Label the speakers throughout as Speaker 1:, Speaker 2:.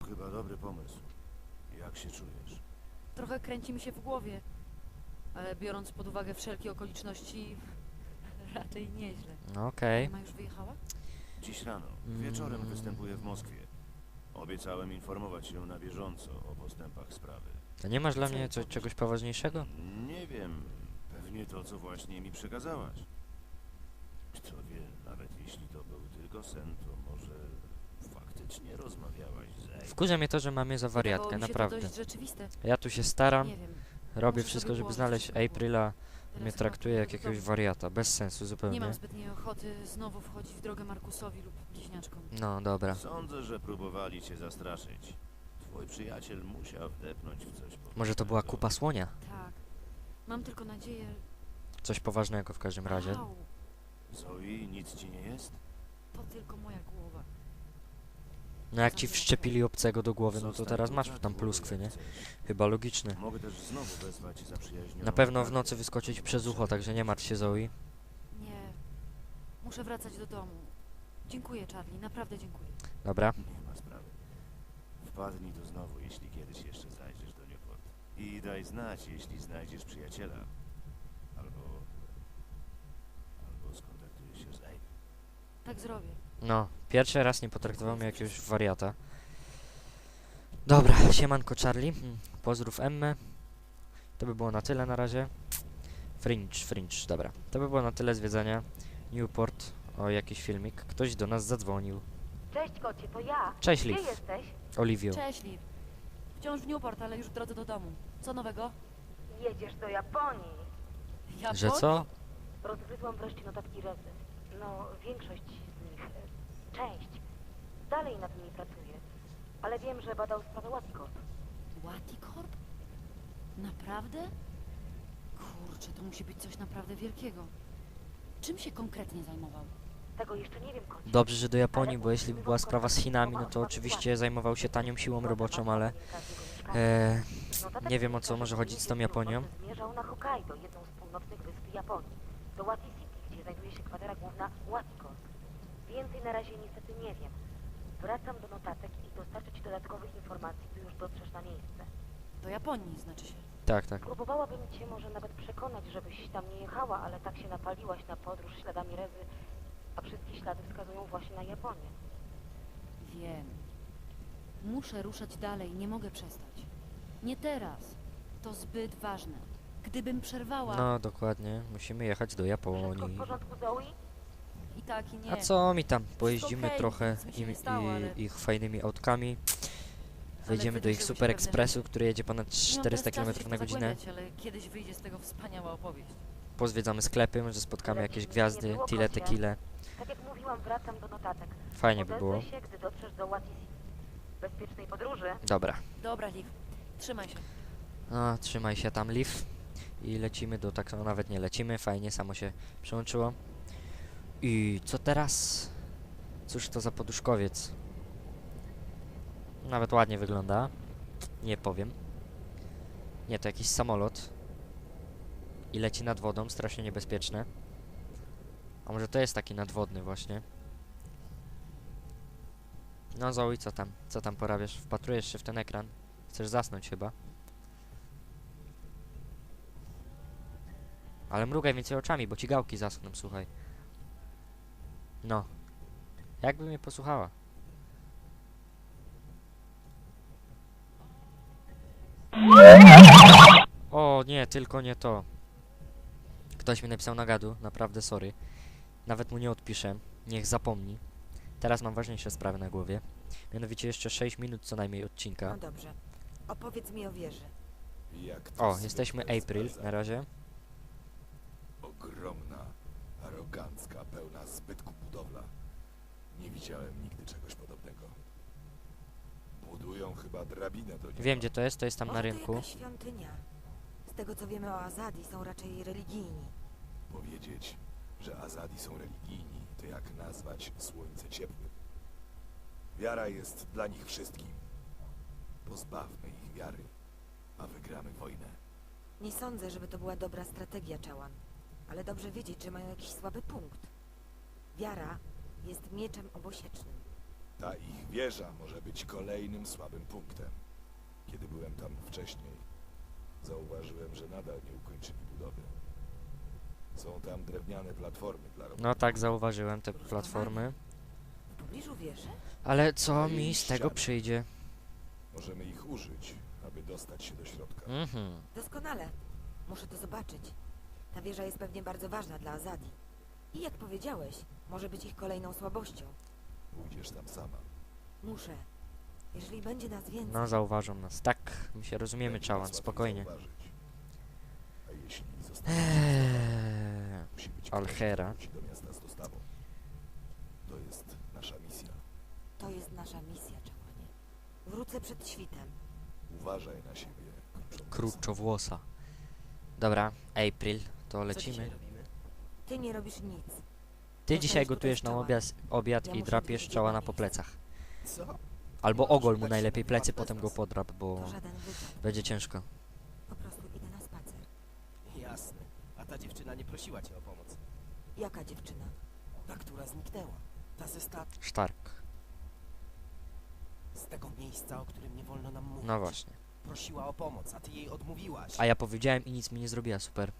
Speaker 1: chyba dobry pomysł. Jak się czujesz?
Speaker 2: Trochę kręci mi się w głowie, ale biorąc pod uwagę wszelkie okoliczności, raczej nieźle.
Speaker 3: No okej.
Speaker 2: Mama już wyjechała?
Speaker 1: Dziś rano, wieczorem występuję w Moskwie. Obiecałem informować ją na bieżąco o postępach sprawy.
Speaker 3: A nie masz dla
Speaker 2: Co
Speaker 3: mnie
Speaker 2: jej powiesz?
Speaker 3: czegoś poważniejszego?
Speaker 1: Nie wiem, pewnie to, co właśnie mi przekazałaś. Kto wie, nawet jeśli to był tylko sen, to może faktycznie rozmawiałaś z Ej.
Speaker 3: Wkurza mnie to, że mam je za
Speaker 2: Wydawało
Speaker 3: wariatkę,
Speaker 2: mi się
Speaker 3: naprawdę.
Speaker 2: To dość rzeczywiste.
Speaker 3: Ja tu się staram,
Speaker 2: Nie wiem.
Speaker 3: robię
Speaker 2: muszę
Speaker 3: wszystko,
Speaker 2: sobie
Speaker 3: żeby
Speaker 2: położyć
Speaker 3: znaleźć
Speaker 2: wszystko w głowie.
Speaker 3: Aprila.
Speaker 2: Teraz
Speaker 3: Mnie
Speaker 2: chyba
Speaker 3: traktuje jak
Speaker 2: pójdę do
Speaker 3: jakiegoś
Speaker 2: domu.
Speaker 3: wariata, bez sensu
Speaker 2: Nie
Speaker 3: zupełnie.
Speaker 2: mam zbytniej ochoty znowu wchodzić w drogę Markusowi lub bliźniaczkom.
Speaker 3: No dobra.
Speaker 1: Sądzę, że próbowali cię zastraszyć. Twój przyjaciel musiał wdepnąć w coś
Speaker 3: Może to była
Speaker 1: poważnego.
Speaker 3: kupa słonia?
Speaker 2: Tak. Mam tylko nadzieję...
Speaker 3: Coś poważnego w każdym razie.
Speaker 2: Au,
Speaker 1: Zoe, nic ci nie jest?
Speaker 2: to tylko moja głowa.
Speaker 3: No jak ci wszczepili obcego do głowy, no to
Speaker 1: Zostań
Speaker 3: teraz
Speaker 1: tu
Speaker 3: masz
Speaker 1: tak
Speaker 3: tam
Speaker 1: długo,
Speaker 3: pluskwy,
Speaker 1: jak
Speaker 3: nie?
Speaker 1: chcesz.
Speaker 3: Chyba logiczne.
Speaker 1: Mogę też znowu wezwać zaprzyjaźnioną
Speaker 3: Na pewno w
Speaker 1: Nadię.
Speaker 3: nocy wyskoczyć przez ucho, także nie martw się, Zoe.
Speaker 2: Nie. Muszę wracać do domu. Dziękuję, Charlie. Naprawdę dziękuję.
Speaker 3: Dobra.
Speaker 1: Nie ma sprawy. Wpadnij tu znowu, jeśli kiedyś jeszcze zajdziesz do Newport. I daj znać, jeśli znajdziesz przyjaciela. Albo skontaktujesz się z Amy.
Speaker 2: Tak zrobię.
Speaker 3: No, pierwszy raz nie potraktował mnie jakiegoś wariata. Dobra, siemanko Charlie. Pozdrów Emmę. To by było na tyle na razie. Fringe, dobra. To by było na tyle zwiedzania Newport. O, jakiś filmik. Ktoś do nas zadzwonił.
Speaker 4: Cześć kocie, to ja.
Speaker 3: Cześć,
Speaker 4: Gdzie
Speaker 3: Liv.
Speaker 4: jesteś?
Speaker 3: Oliwio.
Speaker 2: Cześć, Liv. Wciąż w Newport, ale już w drodze do domu. Co nowego?
Speaker 4: Jedziesz do Japonii.
Speaker 2: Ja
Speaker 3: Że co?
Speaker 4: Rozgryzłam wreszcie notatki Rezy. No, większość z nich. Część. Dalej nad nimi pracuję. Ale wiem, że badał sprawę Łatikorp.
Speaker 2: Łatikorp? Naprawdę? Kurczę, to musi być coś naprawdę wielkiego. Czym się konkretnie zajmował?
Speaker 4: Tego jeszcze nie wiem, kocie.
Speaker 3: Dobrze, że do Japonii, bo jeśli by była sprawa z Chinami, no to oczywiście zajmował się tanią siłą roboczą, ale nie wiem, o co może chodzić z tą Japonią.
Speaker 4: Zmierzał na Hokkaido, jedną z północnych wysp Japonii. Do Wati City, gdzie znajduje się kwatera główna Łatikorp. Więcej na razie niestety nie wiem. Wracam do notatek i dostarczę ci dodatkowych informacji, gdy już dotrzesz na miejsce.
Speaker 2: Do Japonii, znaczy się.
Speaker 3: Tak, tak.
Speaker 4: Próbowałabym cię może nawet przekonać, żebyś tam nie jechała, ale tak się napaliłaś na podróż śladami Rezy, a wszystkie ślady wskazują właśnie na Japonię.
Speaker 2: Wiem. Muszę ruszać dalej, nie mogę przestać. Nie teraz. To zbyt ważne. Gdybym przerwała...
Speaker 3: No, dokładnie. Musimy jechać do
Speaker 4: Wszystko w
Speaker 3: Japonii.
Speaker 4: porządku, Zoe?
Speaker 2: I tak, i nie.
Speaker 3: A co mi tam? Pojeździmy
Speaker 2: okej,
Speaker 3: trochę
Speaker 2: nic mi się nie stało, ale-
Speaker 3: ich fajnymi autkami. Wejdziemy do ich
Speaker 2: wydarzyły się
Speaker 3: Super
Speaker 2: pewne
Speaker 3: Ekspresu, który jedzie ponad
Speaker 2: Nie mam
Speaker 3: 400
Speaker 2: teraz czasu
Speaker 3: km
Speaker 2: się
Speaker 3: na
Speaker 2: w to
Speaker 3: godzinę.
Speaker 2: zagłębiać, ale kiedyś wyjdzie z tego wspaniała opowieść.
Speaker 3: Pozwiedzamy sklepy, może spotkamy
Speaker 4: Lecz
Speaker 3: jakieś
Speaker 4: nie
Speaker 3: gwiazdy,
Speaker 4: było
Speaker 3: tile,
Speaker 4: kocie.
Speaker 3: tequile.
Speaker 4: Tak jak mówiłam, wracam do notatek.
Speaker 3: Fajnie by było.
Speaker 4: Odezwę się, gdy dotrzesz do Wati City. Bezpiecznej podróży.
Speaker 3: Dobra.
Speaker 2: Dobra, Liv. Trzymaj się.
Speaker 3: No, trzymaj się tam, Liv. I lecimy do tak, no nawet nie lecimy, fajnie, samo się przełączyło. I co teraz? Cóż to za poduszkowiec? Nawet ładnie wygląda. Nie powiem. Nie, to jakiś samolot. I leci nad wodą, strasznie niebezpieczne. A może to jest taki nadwodny właśnie? No Zoe, co tam? Co tam porabiasz? Wpatrujesz się w ten ekran? Chcesz zasnąć chyba? Ale mrugaj więcej oczami, bo ci gałki zaschną, słuchaj. No. Jakby mnie posłuchała. O nie, tylko nie to. Ktoś mi napisał na gadu, naprawdę sorry. Nawet mu nie odpiszę, niech zapomni. Teraz mam ważniejsze sprawy na głowie. Mianowicie jeszcze 6 minut co najmniej odcinka.
Speaker 5: No dobrze. Opowiedz mi o wieży.
Speaker 6: Jak to
Speaker 3: O,
Speaker 6: zwykle
Speaker 3: jesteśmy April
Speaker 6: zgadza.
Speaker 3: na razie.
Speaker 6: Ogromna, arogancka, pełna zbytku budowla. Nie widziałem nigdy czegoś podobnego. Budują chyba drabinę do nieba.
Speaker 3: Wiem gdzie to jest tam na
Speaker 5: Może to
Speaker 3: rynku.
Speaker 5: jakaś świątynia. Z tego co wiemy o Azadi, są raczej religijni.
Speaker 6: Powiedzieć, że Azadi są religijni, to jak nazwać słońce ciepłym. Wiara jest dla nich wszystkim. Pozbawmy ich wiary, a wygramy wojnę.
Speaker 5: Nie sądzę, żeby to była dobra strategia, Czawan. Ale dobrze wiedzieć, że mają jakiś słaby punkt. Wiara jest mieczem obosiecznym.
Speaker 6: Ta ich wieża może być kolejnym słabym punktem. Kiedy byłem tam wcześniej, zauważyłem, że nadal nie ukończyli budowy. Są tam drewniane platformy dla robotów.
Speaker 3: No tak, zauważyłem te platformy.
Speaker 5: W pobliżu wieży?
Speaker 3: Ale co mi z tego przyjdzie?
Speaker 6: Możemy ich użyć, aby dostać się do środka.
Speaker 3: Mhm.
Speaker 5: Doskonale. Muszę to zobaczyć. Ta wieża jest pewnie bardzo ważna dla Azadi. I jak powiedziałeś, może być ich kolejną słabością.
Speaker 6: Pójdziesz tam sama.
Speaker 5: Muszę. Jeżeli będzie nas więcej...
Speaker 3: No, zauważą nas. Tak, my się rozumiemy,
Speaker 6: Będzie
Speaker 3: Czawan,
Speaker 6: nas łatwiej
Speaker 3: spokojnie.
Speaker 6: zauważyć. A jeśli zostaniesz musi być ktoś,
Speaker 3: Alchera.
Speaker 6: kto wróci do miasta z dostawą. To jest nasza misja.
Speaker 5: To jest nasza misja, Czawanie. Wrócę przed świtem.
Speaker 6: Uważaj na siebie, kruczowłosa.
Speaker 3: Kruczowłosa. Dobra, April, to lecimy.
Speaker 5: Ty nie robisz nic.
Speaker 3: Ty
Speaker 5: Zostajesz
Speaker 3: dzisiaj
Speaker 5: tutaj
Speaker 3: gotujesz
Speaker 5: z
Speaker 3: nam
Speaker 5: Czałanem.
Speaker 3: obiad
Speaker 5: Ja
Speaker 3: i
Speaker 5: muszę
Speaker 3: drapiesz
Speaker 5: wiedzieć,
Speaker 3: Czałana
Speaker 5: gdzie
Speaker 3: po
Speaker 5: mam
Speaker 3: plecach.
Speaker 7: Co?
Speaker 3: Albo
Speaker 7: Nie
Speaker 3: ogol
Speaker 7: możesz
Speaker 3: mu
Speaker 7: tak
Speaker 3: najlepiej
Speaker 7: się
Speaker 3: plecy,
Speaker 7: nazywać
Speaker 3: potem
Speaker 7: bez
Speaker 3: go
Speaker 7: nas.
Speaker 3: podrap, bo
Speaker 5: To żaden wypad.
Speaker 3: będzie ciężko.
Speaker 5: Po prostu idę na spacer.
Speaker 7: Jasne. A ta dziewczyna nie prosiła cię o pomoc.
Speaker 5: Jaka dziewczyna?
Speaker 7: Ta, która zniknęła. Ta ze
Speaker 3: Sztark.
Speaker 7: z tego miejsca, o którym nie wolno nam mówić.
Speaker 3: No właśnie.
Speaker 7: Prosiła o pomoc, a ty jej odmówiłaś.
Speaker 3: A ja powiedziałem i nic mi nie zrobiła, super.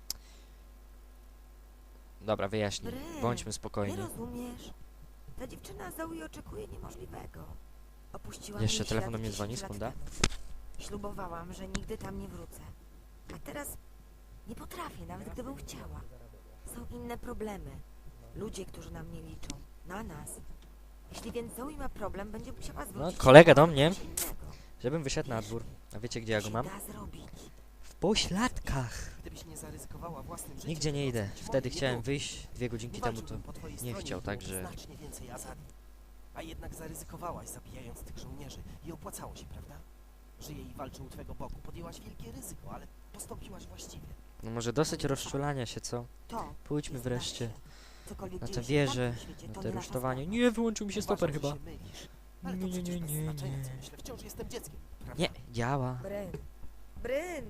Speaker 3: Dobra, wyjaśnij.
Speaker 5: Bry,
Speaker 3: Bądźmy
Speaker 5: Nie
Speaker 3: spokojni.
Speaker 5: rozumiesz? Ta dziewczyna Zoe oczekuje niemożliwego. Opuściła
Speaker 3: Jeszcze
Speaker 5: mnie
Speaker 3: telefon
Speaker 5: świat
Speaker 3: do mnie
Speaker 5: 10
Speaker 3: dzwoni,
Speaker 5: lat
Speaker 3: sekunda.
Speaker 5: temu. Ślubowałam, że nigdy tam nie wrócę. A teraz nie potrafię, nawet gdybym chciała. Są inne problemy. Ludzie, którzy na mnie liczą. Na nas. Jeśli więc Zoe ma problem, będzie musiała zwrócić
Speaker 3: kolega
Speaker 5: się
Speaker 3: do mnie.
Speaker 5: innego.
Speaker 3: Żebym wyszedł na dwór. A wiecie gdzie ja
Speaker 5: To
Speaker 3: go
Speaker 5: się
Speaker 3: mam?
Speaker 5: da zrobić.
Speaker 3: W pośladkach.
Speaker 7: Gdybyś nie zaryzykowała własnym życiem,
Speaker 3: Nigdzie nie
Speaker 7: by
Speaker 3: idę.
Speaker 7: ocalić
Speaker 3: Wtedy
Speaker 7: moje,
Speaker 3: chciałem
Speaker 7: nie
Speaker 3: wyjść 2 godzinki
Speaker 7: byłoby.
Speaker 3: temu, to
Speaker 7: Walczyłbym po twojej
Speaker 3: nie
Speaker 7: stronie
Speaker 3: chciał,
Speaker 7: i byłoby
Speaker 3: także...
Speaker 7: znacznie więcej Azadi. A jednak zaryzykowałaś, zabijając tych żołnierzy i opłacało się, prawda? Żyje i walczy u twego boku. Podjęłaś wielkie ryzyko, ale postąpiłaś właściwie.
Speaker 3: No może dosyć rozczulania się, co?
Speaker 5: To
Speaker 3: Pójdźmy
Speaker 5: jest
Speaker 3: wreszcie
Speaker 5: nasze. Cokolwiek
Speaker 3: na
Speaker 5: dzieje
Speaker 3: tę
Speaker 5: się w
Speaker 3: wieżę,
Speaker 5: tamtym świecie,
Speaker 3: na
Speaker 5: to
Speaker 3: te
Speaker 5: nie nasza
Speaker 3: rusztowanie.
Speaker 5: sprawa.
Speaker 3: Nie, wyłączył mi się stoper
Speaker 7: Uważam,
Speaker 3: chyba.
Speaker 7: że się mylisz. Ale to
Speaker 3: Nie,
Speaker 7: przecież
Speaker 3: nie,
Speaker 7: bez
Speaker 3: nie,
Speaker 7: znaczenia,
Speaker 3: nie.
Speaker 7: co myślę. Wciąż jestem dzieckiem, prawda?
Speaker 3: Nie, działa.
Speaker 5: Bryn. Bryn!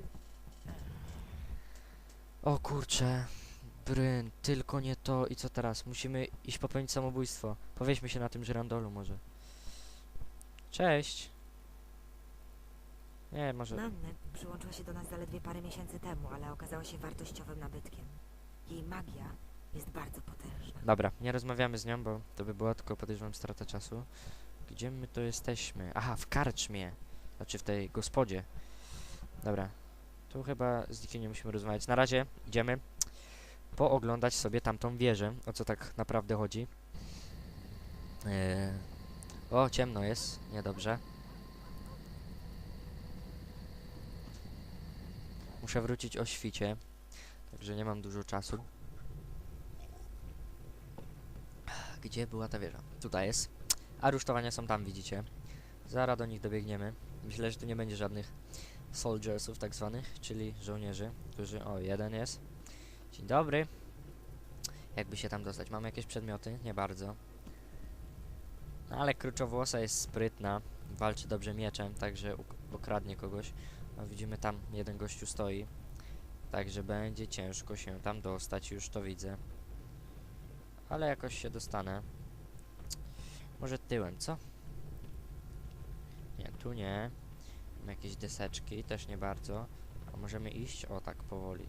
Speaker 3: O kurczę. Bryn, tylko nie to. I co teraz? Musimy iść popełnić samobójstwo. Powieźmy się na tym żyrandolu może. Cześć. Nie, może...
Speaker 5: Nanny przyłączyła się do nas zaledwie parę miesięcy temu, ale okazała się wartościowym nabytkiem. Jej magia jest bardzo potężna.
Speaker 3: Dobra, nie rozmawiamy z nią, bo to by była tylko, podejrzewam, strata czasu. Gdzie my to jesteśmy? Aha, w karczmie. Znaczy w tej gospodzie. Dobra. Tu chyba z nikim nie musimy rozmawiać. Na razie idziemy pooglądać sobie tamtą wieżę. O co tak naprawdę chodzi. O, ciemno jest. Niedobrze. Muszę wrócić o świcie. Także nie mam dużo czasu. Gdzie była ta wieża? Tutaj jest. A rusztowania są tam, widzicie. Zaraz do nich dobiegniemy. Myślę, że tu nie będzie żadnych soldiersów tak zwanych, czyli żołnierzy, którzy... O, jeden jest. Dzień dobry. Jakby się tam dostać? Mamy jakieś przedmioty? Nie bardzo. No, ale kruczowłosa jest sprytna. Walczy dobrze mieczem, także okradnie kogoś. No, widzimy tam jeden gościu stoi. Także będzie ciężko się tam dostać, już to widzę. Ale jakoś się dostanę. Może tyłem, co? Nie, tu nie. Mam jakieś deseczki, też nie bardzo. A możemy iść? O, tak, powoli.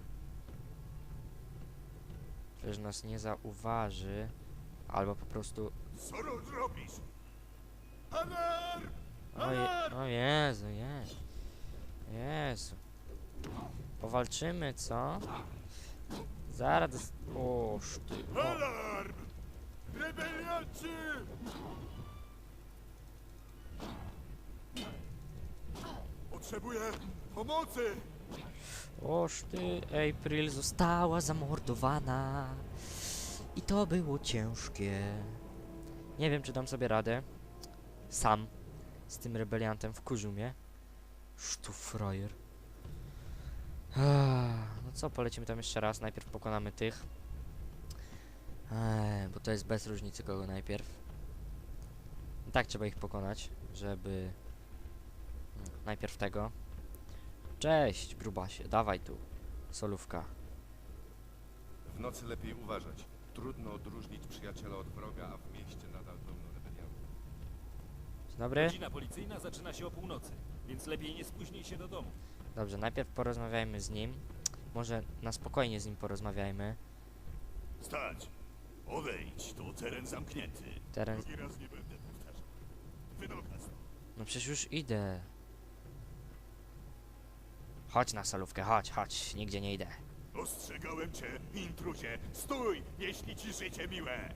Speaker 3: Przecież nas nie zauważy. Albo po prostu...
Speaker 6: Co robisz? Alarm!
Speaker 3: O Jezu, Jezu. Jezu. Powalczymy, co? Zaraz... Oż ty... O.
Speaker 6: Alarm! Rebelianci! Potrzebuję pomocy!
Speaker 3: Oż ty, April została zamordowana. I to było ciężkie. Nie wiem, czy dam sobie radę. Sam. Z tym rebeliantem wkurzył mnie. Sztu frajer. No co, polecimy tam jeszcze raz. Najpierw pokonamy tych. Bo to jest bez różnicy kogo najpierw. I tak trzeba ich pokonać, żeby... Najpierw tego. Cześć, grubasie, dawaj tu. Solówka.
Speaker 8: W nocy lepiej uważać. Trudno odróżnić przyjaciela od wroga, a w mieście nadal pełno rebeliantów.
Speaker 3: Dzień dobry.
Speaker 9: Godzina policyjna zaczyna się o północy, więc lepiej nie spóźnij się do domu.
Speaker 3: Dobrze, najpierw porozmawiajmy z nim. Może na spokojnie z nim porozmawiajmy.
Speaker 1: Stać! Odejdź, to teren zamknięty.
Speaker 3: Teren...
Speaker 1: Drugi raz nie będę powtarzał. Wynocha stąd.
Speaker 3: No przecież już idę. Chodź na salówkę, chodź, chodź. Nigdzie nie idę.
Speaker 1: Ostrzegałem cię, intruzie! Stój, jeśli ci życie miłe!